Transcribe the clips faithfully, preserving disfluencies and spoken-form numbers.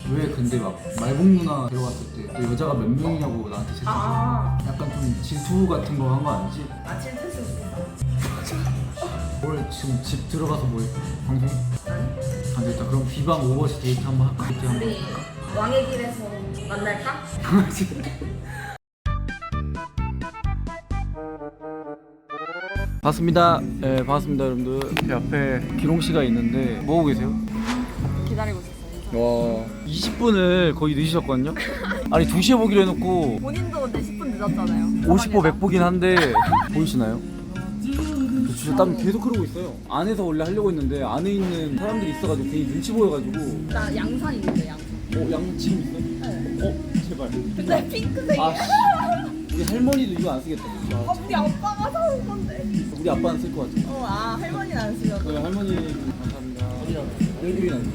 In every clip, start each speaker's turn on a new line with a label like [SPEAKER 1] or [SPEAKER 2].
[SPEAKER 1] 왜 근데 막 말복 누나 들어갔을 때 너 여자가 몇 명이냐고 나한테 채팅.
[SPEAKER 2] 아,
[SPEAKER 1] 약간 좀 질투 같은 거 한 거 아니지?
[SPEAKER 2] 아 질투했을 수도 있어.
[SPEAKER 1] 뭘 지금 집 들어가서 뭐 해? 방송?
[SPEAKER 2] 아니?
[SPEAKER 1] 안 되겠다. 그럼 비방 오버워치 데이트 한번 할까? 데이트 한번
[SPEAKER 2] 우리 왕의 길에서 만날까?
[SPEAKER 1] 반갑습니다. 네, 반갑습니다, 여러분들. 제 앞에 기롱 씨가 있는데 뭐 하고 계세요?
[SPEAKER 2] 기다리고 있었어요.
[SPEAKER 1] 와, 이십 분을 거의 늦으셨거든요. 아니 두 시에 보기로 해놓고
[SPEAKER 2] 본인도 근데 십 분 늦었잖아요.
[SPEAKER 1] 오십 보 백 보긴 한데 보이시나요? 저 진짜 땀 계속 흐르고 있어요. 안에서 원래 하려고 했는데 안에 있는 사람들이 있어가지고 괜히 눈치 보여가지고.
[SPEAKER 2] 나 양산 있는데 양산.
[SPEAKER 1] 어? 양 지금 있어?
[SPEAKER 2] 네.
[SPEAKER 1] 어? 제발.
[SPEAKER 2] 근데 핑크색이야.
[SPEAKER 1] 아 씨. 우리 할머니도 이거 안 쓰겠다.
[SPEAKER 2] 아,
[SPEAKER 1] 아,
[SPEAKER 2] 우리 아빠가 사온 건데.
[SPEAKER 1] 우리 아빠는 쓸 것 같아.
[SPEAKER 2] 어, 아 할머니는 안 쓰면.
[SPEAKER 1] 저희 할머니 감사합니다. 얼굴이 나.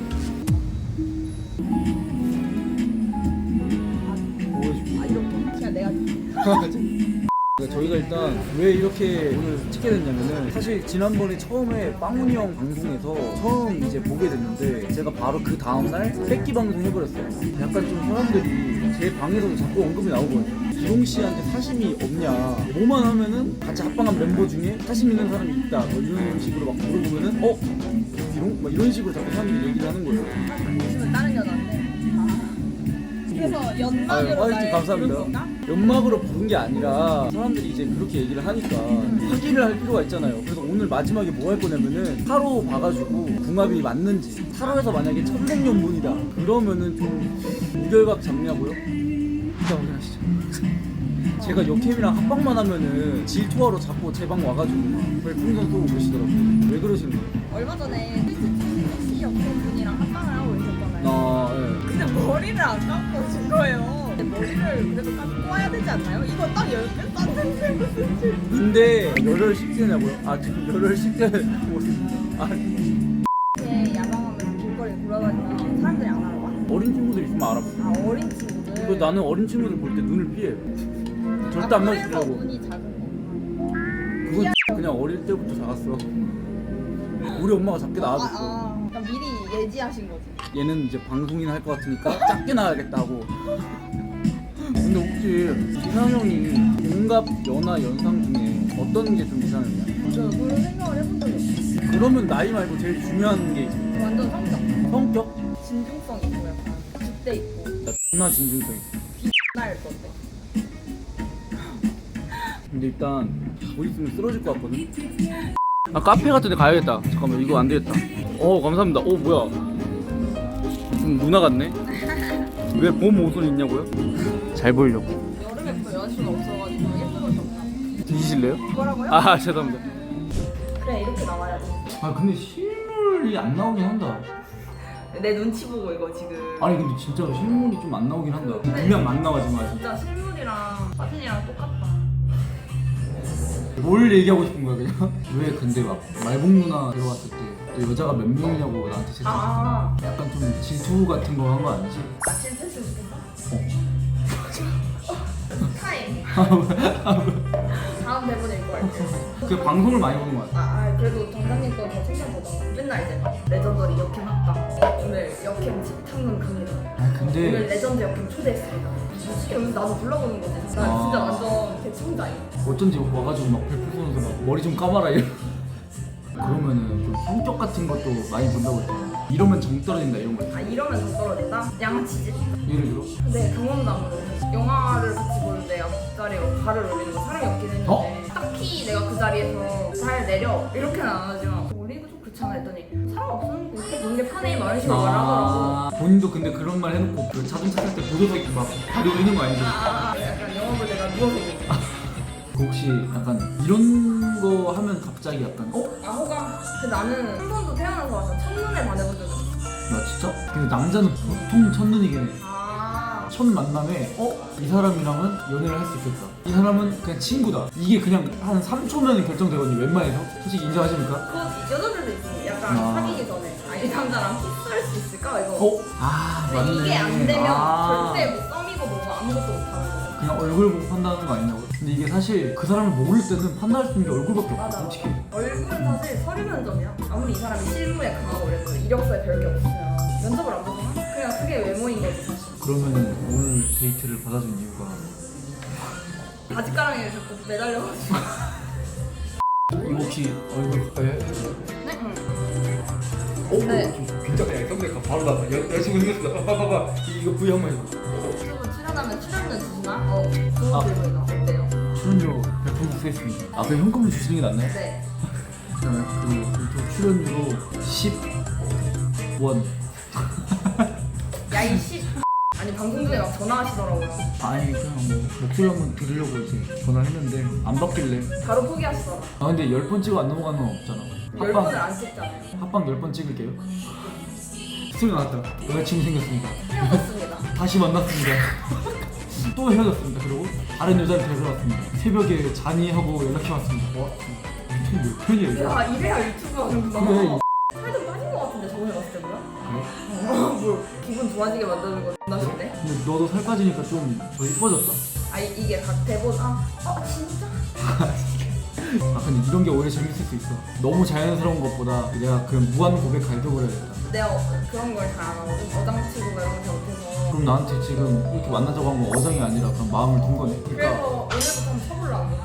[SPEAKER 2] 아 이런 거. 그냥 내가.
[SPEAKER 1] 저희가 일단 왜 이렇게 오늘 찍게 됐냐면은 사실 지난번에 처음에 빵훈이 형 방송에서 처음 이제 보게 됐는데 제가 바로 그 다음날 뺏기 방송 해버렸어요. 약간 좀 사람들이 제 방에서도 자꾸 언급이 나오거든요. 기롱 씨한테 사심이 없냐, 뭐만 하면은 같이 합방한 멤버 중에 사심 있는 사람이 있다 뭐 이런 식으로 막 물어보면은 어? 기롱? 막 이런 식으로 자꾸 사람들이 얘기를 하는 거예요.
[SPEAKER 2] 요즘은 다른 여자인데. 그래서 연막으로
[SPEAKER 1] 아유, 화이팅
[SPEAKER 2] 날
[SPEAKER 1] 감사합니다.
[SPEAKER 2] 부른 건가?
[SPEAKER 1] 연막으로 부른 게 아니라 사람들이 이제 그렇게 얘기를 하니까 확인을 할 필요가 있잖아요. 그래서 오늘 마지막에 뭐 할 거냐면은 타로 봐가지고 궁합이 맞는지, 타로에서 만약에 천생연분이다 그러면은 좀 무결각 잡냐고요? 일단 확인하시죠. 제가 여캠이랑 합방만 하면은 질투하러 자꾸 제 방 와가지고 막 별풍선 쏘고 그러시더라고요. 왜 그러시는 거예요?
[SPEAKER 2] 얼마 전에 섹시 여성분이랑 합방을 하고 있었잖아요.
[SPEAKER 1] 아, 예.
[SPEAKER 2] 근데 머리를 안 감고 준 거예요. 머리를 그래도 감고 와야 되지 않나요? 이거 딱 열 개 땄는데 무슨 질.
[SPEAKER 1] 근데 열혈 십 대냐고요? 아 지금 열혈 십 대 모습. 아,
[SPEAKER 2] 이렇게 야방하면서 길거리 돌아다니면 사람들이 안 알아봐?
[SPEAKER 1] 어린 친구들 있으면 알아봐.
[SPEAKER 2] 아 어린 친구들.
[SPEAKER 1] 그 나는 어린 친구들 볼 때 눈을 피해. 절대
[SPEAKER 2] 아,
[SPEAKER 1] 안
[SPEAKER 2] 그래서
[SPEAKER 1] 마주치려고.
[SPEAKER 2] 눈이 작은 거.
[SPEAKER 1] 그건 그냥 어릴 때부터 작았어. 우리 엄마가 작게
[SPEAKER 2] 아,
[SPEAKER 1] 낳아줬어.
[SPEAKER 2] 아, 그러니까 미리 예지하신 거지.
[SPEAKER 1] 얘는 이제 방송인 할 것 같으니까 작게 낳아야겠다고. 근데 혹시 이상형이 동갑, 연하, 연상 중에 어떤 게 좀 이상형이야?
[SPEAKER 2] 저 그런 생각을 해본 적이 없어.
[SPEAKER 1] 그러면 나이 말고 제일 중요한 게 있어.
[SPEAKER 2] 완전 성격.
[SPEAKER 1] 성격?
[SPEAKER 2] 진중성 있고 약간 줏대 있고
[SPEAKER 1] 나 존나 진중성 있어.
[SPEAKER 2] 날 건데.
[SPEAKER 1] 근데 일단 뭐 있으면 쓰러질 것 같거든? 아 카페 같은 데 가야겠다. 잠깐만 이거 안 되겠다. 어 감사합니다. 어 뭐야 좀 누나 같네? 왜 봄 옷을 입냐고요? 잘 보이려고.
[SPEAKER 2] 여름에 또 여자친구가 없어가지고 예쁜 옷이 없나?
[SPEAKER 1] 드시실래요?
[SPEAKER 2] 뭐라고요?
[SPEAKER 1] 아 죄송합니다.
[SPEAKER 2] 그래 이렇게 나와야지.
[SPEAKER 1] 아 근데 실물이 안 나오긴 한다.
[SPEAKER 2] 내 눈치 보고 이거 지금.
[SPEAKER 1] 아니 근데 진짜로 실물이 좀 안 나오긴 한다. 분명 안 나와지만
[SPEAKER 2] 진짜 실물이랑 사진이랑 똑같다.
[SPEAKER 1] 뭘 얘기하고 싶은 거야 그냥? 왜 근데 막 말복 누나 들어갔을 때 너 여자가 몇 명이냐고 나한테 채팅.
[SPEAKER 2] 아,
[SPEAKER 1] 약간 좀 질투 같은 거 한 거 아니지?
[SPEAKER 2] 아침 패스 좋겠다.
[SPEAKER 1] 어.
[SPEAKER 2] 타임. 다음 대본 읽고 할게요.
[SPEAKER 1] 그 방송을 많이 보는 거 같아.
[SPEAKER 2] 아, 아 그래도 정장님 거더 챙겨보자. 맨날 이제 레전더리 역캠 합방. 오늘 역캠 집탐문 갑니다.
[SPEAKER 1] 아
[SPEAKER 2] 오늘
[SPEAKER 1] 근데
[SPEAKER 2] 레전드 역캠 초대했습니다. 솔직히 오늘 나도 불러보는 거지. 나
[SPEAKER 1] 아.
[SPEAKER 2] 진짜 완전 대충자임.
[SPEAKER 1] 어쩐지 와가지고 막 별풍선 쏘면서 막 머리 좀 감아라 이러. 그러면은 좀 성격 같은 것도 많이 본다고 했잖아. 이러면 정 떨어진다 이런 거.
[SPEAKER 2] 아 이러면 좀 떨어진다? 양아치지?
[SPEAKER 1] 예를 들어?
[SPEAKER 2] 근데 경험담으로 영화를 같이 볼 때 앞자리에 발을 올리는 거 사람이 없긴 했는데
[SPEAKER 1] 어?
[SPEAKER 2] 딱히 내가 그 자리에서 발 내려 이렇게는 안 하지만 올리고 좀 그렇잖아 했더니 사람 없으니까 이렇게 보는 게 편해 막 이런 식으로 말하더라고.
[SPEAKER 1] 아 본인도 근데 그런 말 해놓고 그 자동차 탈 때 보조석 막 다리 올리는 거 아니지?
[SPEAKER 2] 아, 아, 아, 약간 영화 볼 때가 누워서 보고.
[SPEAKER 1] 그 혹시 약간 이런 거 하면 갑자기 약간 어?
[SPEAKER 2] 아 호감. 근데 나는 한 번도 태어나서 와서 첫눈에 반해본 적이 없어.
[SPEAKER 1] 나 진짜? 근데 남자는 보통 첫눈이긴 해.
[SPEAKER 2] 아
[SPEAKER 1] 첫 만남에 어? 이 사람이랑은 연애를 할 수 있겠다. 이 사람은 그냥 친구다. 이게 그냥 한 삼 초면 결정되거든요. 웬만해서. 솔직히 인정하십니까?
[SPEAKER 2] 그거 여자들도 있어. 약간
[SPEAKER 1] 아.
[SPEAKER 2] 사귀기 전에 아 이 남자랑 키스할 수 있을까 이거.
[SPEAKER 1] 어? 아
[SPEAKER 2] 근데
[SPEAKER 1] 맞네.
[SPEAKER 2] 이게 안 되면
[SPEAKER 1] 아.
[SPEAKER 2] 절대 뭐 썸이고 뭐고 아무것도 못하는 거.
[SPEAKER 1] 그냥 얼굴 보고 판단하는 거 아니냐고. 근데 이게 사실 그 사람을 모를 때는 판단할 수 있는 게 얼굴밖에 없어.
[SPEAKER 2] 맞아.
[SPEAKER 1] 솔직히.
[SPEAKER 2] 얼굴은 사실 서류 면접이야. 아무리 이 사람이 실무에 강하고 그래도 이력서에 별게 없으면 면접을 안 보잖아? 그냥 방송이랑 크게 외모인 거지 사실.
[SPEAKER 1] 그러면 오늘 데이트를 받아준 이유가
[SPEAKER 2] 바지가랑이에 자꾸 매달려가지고.
[SPEAKER 1] 이거 혹시 얼굴 가까이 해?
[SPEAKER 2] 네? 응.
[SPEAKER 1] 오,
[SPEAKER 2] 네.
[SPEAKER 1] 좀 긴장해. 성대가 바로 나와. 여- 여자친구 생겼어. 봐봐, 봐봐. 이거 V 한번 해봐.
[SPEAKER 2] 유튜브 출연하면 출연료 주시나? 어, 좋은
[SPEAKER 1] 아.
[SPEAKER 2] 질문이다. 어때요?
[SPEAKER 1] 출연료 백 퍼센트 쓰겠습니다. 아, 그냥 현금을 주시는 게 낫나요?
[SPEAKER 2] 네.
[SPEAKER 1] 그러면 그 유튜브 출연료로 십 원.
[SPEAKER 2] 야이 씨. 아니 방송 중에 막 전화하시더라고요.
[SPEAKER 1] 아니, 그냥 뭐 목소리 한번 들으려고 이제 전화했는데 안 받길래.
[SPEAKER 2] 바로 포기하시더라.
[SPEAKER 1] 아, 근데 열 번 찍어 안 넘어가는 건 없잖아.
[SPEAKER 2] 열 번을 안 찍잖아요.
[SPEAKER 1] 합방 열 번 찍을게요. 소리 나왔다. 여자친구 생겼습니다.
[SPEAKER 2] 헤어졌습니다.
[SPEAKER 1] 다시 만났습니다. 또 헤어졌습니다. 그리고 다른 여자를 데려왔습니다. 새벽에 잔이하고 연락해 왔습니다. 와, 유튜브 몇 편이야 이거?
[SPEAKER 2] 야 이래야 유튜브 하는구나.
[SPEAKER 1] 그래.
[SPEAKER 2] 살좀 빠진 것 같은데 저번에 봤을 때 뭐야?
[SPEAKER 1] 그래?
[SPEAKER 2] 어, 뭐 기분 좋아지게 만드는 거 존나 싫대.
[SPEAKER 1] 근데 너도 살 빠지니까 좀 더 이뻐졌다.
[SPEAKER 2] 아 이, 이게 각 대본 아, 어 진짜?
[SPEAKER 1] 아 근데 이런 게 오히려 재밌을 수 있어. 너무 자연스러운 것보다 내가 그 무한 고백 가르쳐버려야겠다.
[SPEAKER 2] 내가 어, 그런 걸 잘 안 하거든. 어장치고 이런 거 잘 못해서.
[SPEAKER 1] 그럼 나한테 지금 이렇게 만나자고 한 건 어장이 아니라 그냥 마음을 둔 거네. 그러니까
[SPEAKER 2] 그래서 오늘부터 한번 쳐보려고.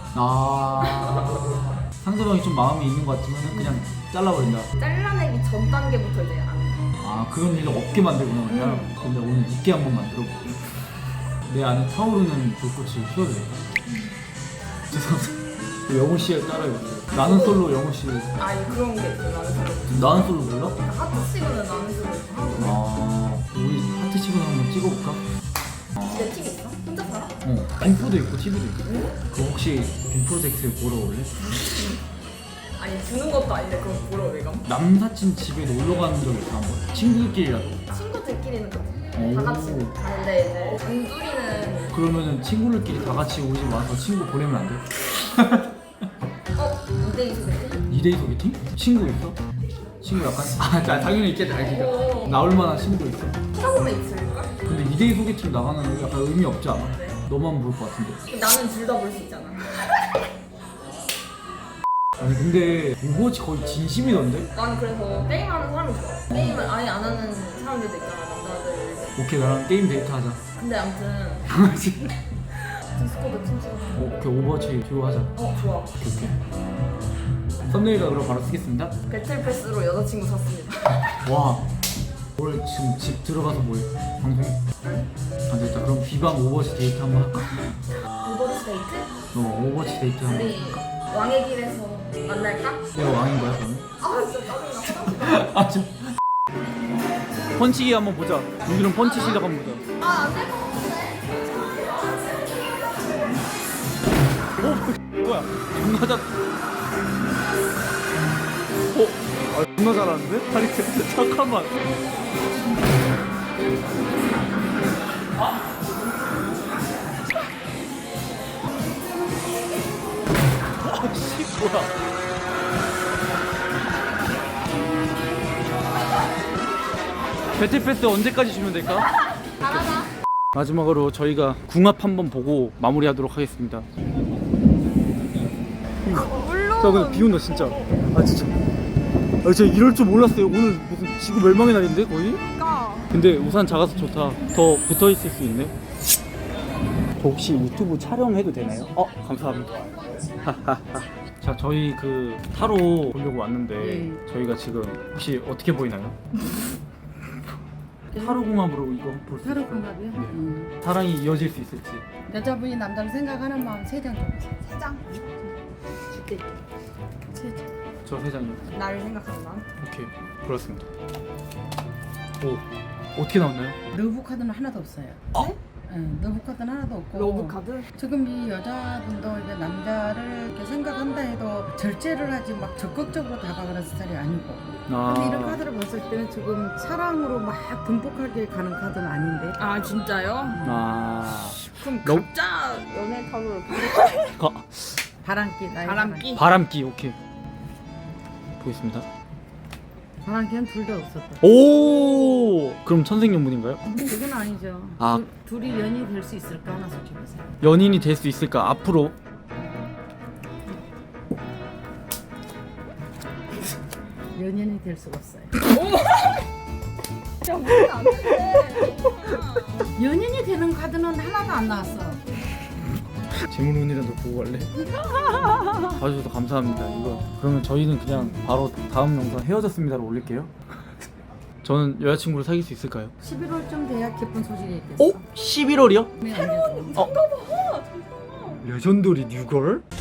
[SPEAKER 1] 아 상대방이 좀 마음이 있는 것 같으면 그냥 잘라버린다.
[SPEAKER 2] 잘라내기 전 단계부터 이제 안 해.
[SPEAKER 1] 아 그런 일을 없게 만들구나 그냥.
[SPEAKER 2] 음.
[SPEAKER 1] 근데 오늘 있게 한번 만들어볼게. 내 안에 타오르는 불꽃을 피워드릴까? 죄송합니다. 영호 씨에 따라해볼게요. 나는 솔로 영호 씨.
[SPEAKER 2] 아 이 그런 게 있어 나는 솔로.
[SPEAKER 1] 나는 솔로 몰라?
[SPEAKER 2] 그러니까 하트 치고는 나는 솔로 있고 하고.
[SPEAKER 1] 아 우리 하트 치고 한번 찍어볼까?
[SPEAKER 2] 내 팁 있어? 혼자 살아?
[SPEAKER 1] 어 빔프도 있고 티비도 있고. 그 혹시 빔 프로젝트 보러 올래?
[SPEAKER 2] 아니 주는 것도 아닌데 그럼 보러 내가?
[SPEAKER 1] 남사친 집에 놀러 가는 적 있어 한번? 친구들끼리라도.
[SPEAKER 2] 친구들끼리는 그래.
[SPEAKER 1] 오.
[SPEAKER 2] 다 같이 가는데 이제 단둘이는
[SPEAKER 1] 그러면은 친구들끼리 다 같이 우리 집 와서 친구 보내면 안 돼?
[SPEAKER 2] 어? 이대이 소개팅?
[SPEAKER 1] 이 대이 소개팅? 친구 있어? 친구 약간? 아 나 당연히 있겠다 알겠다. 나올 만한 친구 있어?
[SPEAKER 2] 찾아보면 있을걸?
[SPEAKER 1] 근데 이 대이 소개팅 나가는 거 약간 의미 없지 않아?
[SPEAKER 2] 네.
[SPEAKER 1] 너만 볼 것 같은데.
[SPEAKER 2] 나는 둘 다 볼 수 있잖아.
[SPEAKER 1] 아니 근데 오버워치 거의 진심이던데?
[SPEAKER 2] 나는 그래서 게임하는 사람이 좋아. 게임을 아예 안 하는 사람들도 있잖아 남자들.
[SPEAKER 1] 오케이 나랑 게임 데이트 하자.
[SPEAKER 2] 근데 아무튼 디스코드 친구가.
[SPEAKER 1] 오, 오케이 오버워치 듀오 하자.
[SPEAKER 2] 어 좋아.
[SPEAKER 1] 오케이 오케이. 썸네일가 그럼 바로 쓰겠습니다.
[SPEAKER 2] 배틀 패스로 여자친구 샀습니다.
[SPEAKER 1] 와 오늘 지금 집 들어가서 뭐해? 방송해? 안 되겠다. 그럼 비방 오버워치 데이트 한번 할까?
[SPEAKER 2] 오버워치 데이트?
[SPEAKER 1] 너 오버워치 데이트 한번
[SPEAKER 2] 우리 왕의 길에서 만날까?
[SPEAKER 1] 내가 왕인 거야 그러면?
[SPEAKER 2] 아 진짜 짜증나.
[SPEAKER 1] 아 진. 펀치기 한번 보자. 우리는 펀치 실력 한번 보자.
[SPEAKER 2] 아안될 것 같은데.
[SPEAKER 1] 오 뭐야? 존나 잘. 어? 아 존나 잘하는데? 아니 잠깐만. 아씨 뭐야? 배틀 패스 언제까지 주면 될까?
[SPEAKER 2] 잘하자.
[SPEAKER 1] 마지막으로 저희가 궁합 한번 보고 마무리하도록 하겠습니다.
[SPEAKER 2] 물론.
[SPEAKER 1] 자 근데 비 온다 진짜. 아 진짜. 아 진짜 이럴 줄 몰랐어요. 오늘 무슨 지구 멸망의 날인데 거의?
[SPEAKER 2] 그러니까.
[SPEAKER 1] 근데 우산 작아서 좋다. 더 붙어 있을 수 있네. 저 혹시 유튜브 촬영해도 되나요? 어 감사합니다. 자 저희 그 타로 보려고 왔는데
[SPEAKER 3] 네.
[SPEAKER 1] 저희가 지금 혹시 어떻게 보이나요? 타로 궁합으로 이거 볼 수 있어요?
[SPEAKER 3] 타로 궁합이요?
[SPEAKER 1] 네.
[SPEAKER 3] 음.
[SPEAKER 1] 사랑이 이어질 수 있을지.
[SPEAKER 3] 여자분이 남자를 생각하는 마음 세 장 줘보세요.
[SPEAKER 2] 세 장. 줄게.
[SPEAKER 3] 세 장.
[SPEAKER 1] 저 세 장이요.
[SPEAKER 2] 나를 생각하는 마음.
[SPEAKER 1] 오케이 그렇습니다. 오 어떻게 나왔나요?
[SPEAKER 3] 러브 카드는 하나도 없어요.
[SPEAKER 2] 네?
[SPEAKER 3] 응, 러브 카드는 하나도 없고.
[SPEAKER 2] 러브 카드?
[SPEAKER 3] 지금 이 여자분도 이제 남자를 이렇게 생각한다 해도 절제를 하지 막 적극적으로 다가가는 스타일이 아니고.
[SPEAKER 1] 아
[SPEAKER 3] 근데 이런 카드를 봤을 때는 지금 사랑으로 막 듬뿍하게 가는 카드는 아닌데.
[SPEAKER 2] 아 진짜요?
[SPEAKER 1] 아
[SPEAKER 2] 그럼
[SPEAKER 1] 너-
[SPEAKER 2] 각자 연애 타로를
[SPEAKER 1] 가,
[SPEAKER 3] 바람기 나의
[SPEAKER 2] 바람기.
[SPEAKER 1] 바람기 오케이 보겠습니다.
[SPEAKER 3] 바람기는 둘 다 없었다.
[SPEAKER 1] 오 그럼 천생연분인가요?
[SPEAKER 3] 그건 아니죠.
[SPEAKER 1] 아.
[SPEAKER 3] 둘, 둘이 연이 될 수 있을까 하나 솔직히세요.
[SPEAKER 1] 연인이 될 수 있을까 앞으로?
[SPEAKER 3] 연인이 될 수가 없어요.
[SPEAKER 2] 야 우리 안 돼.
[SPEAKER 3] 연인이 되는 카드는 하나도 안 나왔어.
[SPEAKER 1] 재물운이라도 보고 갈래? 봐주셔서 감사합니다. 이거 그러면 저희는 그냥 바로 다음 영상 헤어졌습니다로 올릴게요. 저는 여자친구를 사귈 수 있을까요?
[SPEAKER 3] 십일월쯤 돼야 기쁜 소식이 있겠어.
[SPEAKER 1] 오? 십일월이요?
[SPEAKER 3] 새로운
[SPEAKER 1] 어? 레전더리 뉴걸?